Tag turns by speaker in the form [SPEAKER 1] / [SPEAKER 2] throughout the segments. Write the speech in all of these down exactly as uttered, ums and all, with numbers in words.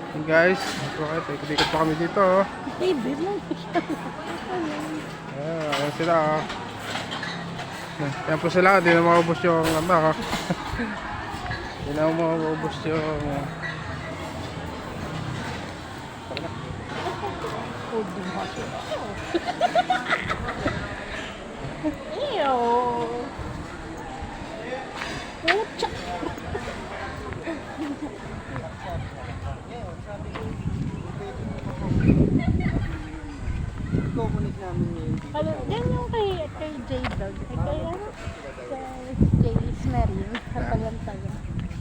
[SPEAKER 1] Hey guys, bakit? Ikot-ikot pa kami dito. Oh.
[SPEAKER 2] Baby mo.
[SPEAKER 1] Ayan, ayan sila. Oh. Ayan po sila, hindi na maubos yung ano. Oh. Hindi na maubos yung...
[SPEAKER 2] Ew. Pucha. Ano, yan yung kay, kay J-Dog. Ay, kay ano? Kay J. Smery. Sa tagan-tagan.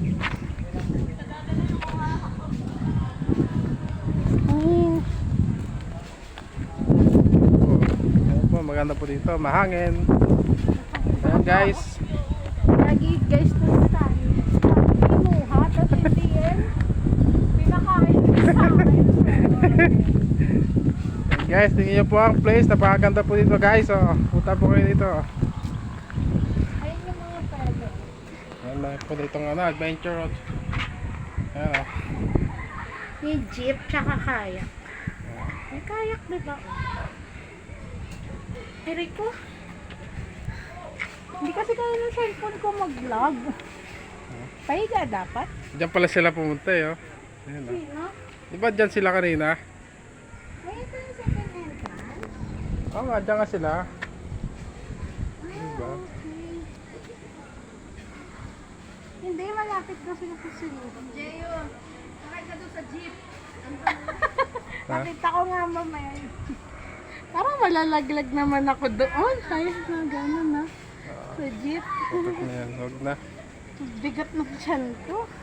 [SPEAKER 2] Ay,
[SPEAKER 1] Ayan po, maganda po dito. Mahangin. Ayan guys.
[SPEAKER 2] lagi guys na tayo. Pinuha, tapos hindi yan. Pinakain sa akin.
[SPEAKER 1] Guys, tingnan nyo po ang place. Napakaganda po dito guys. Oh, punta po kayo dito.
[SPEAKER 2] Ayun yung mga pwede.
[SPEAKER 1] Ayan lang po dito ano, adventure road. Ayan oh.
[SPEAKER 2] May jeep, tsaka kayak. May kayak, di ba? Ay, Rico. Hindi kasi kaya ng cellphone ko mag-vlog. Pahiga dapat.
[SPEAKER 1] Diyan pala sila pumunta eh. Oh. Ayan oh.
[SPEAKER 2] Sino?
[SPEAKER 1] Di ba dyan sila kanina?
[SPEAKER 2] Ay, ito yung second entrance.
[SPEAKER 1] Oo nga, dyan nga sila.
[SPEAKER 2] Ah,
[SPEAKER 1] Diba?
[SPEAKER 2] okay. Hindi, malapit daw sila sa sunod. Jeyo, sakay ka doon sa jeep.
[SPEAKER 1] Ha?
[SPEAKER 2] Nakita ko nga mamaya. Parang malalaglag naman ako doon. Ayos na, gano'n na. Sa jeep.
[SPEAKER 1] Huwag na yan, huwag na.
[SPEAKER 2] Bigat ng tiyan ko.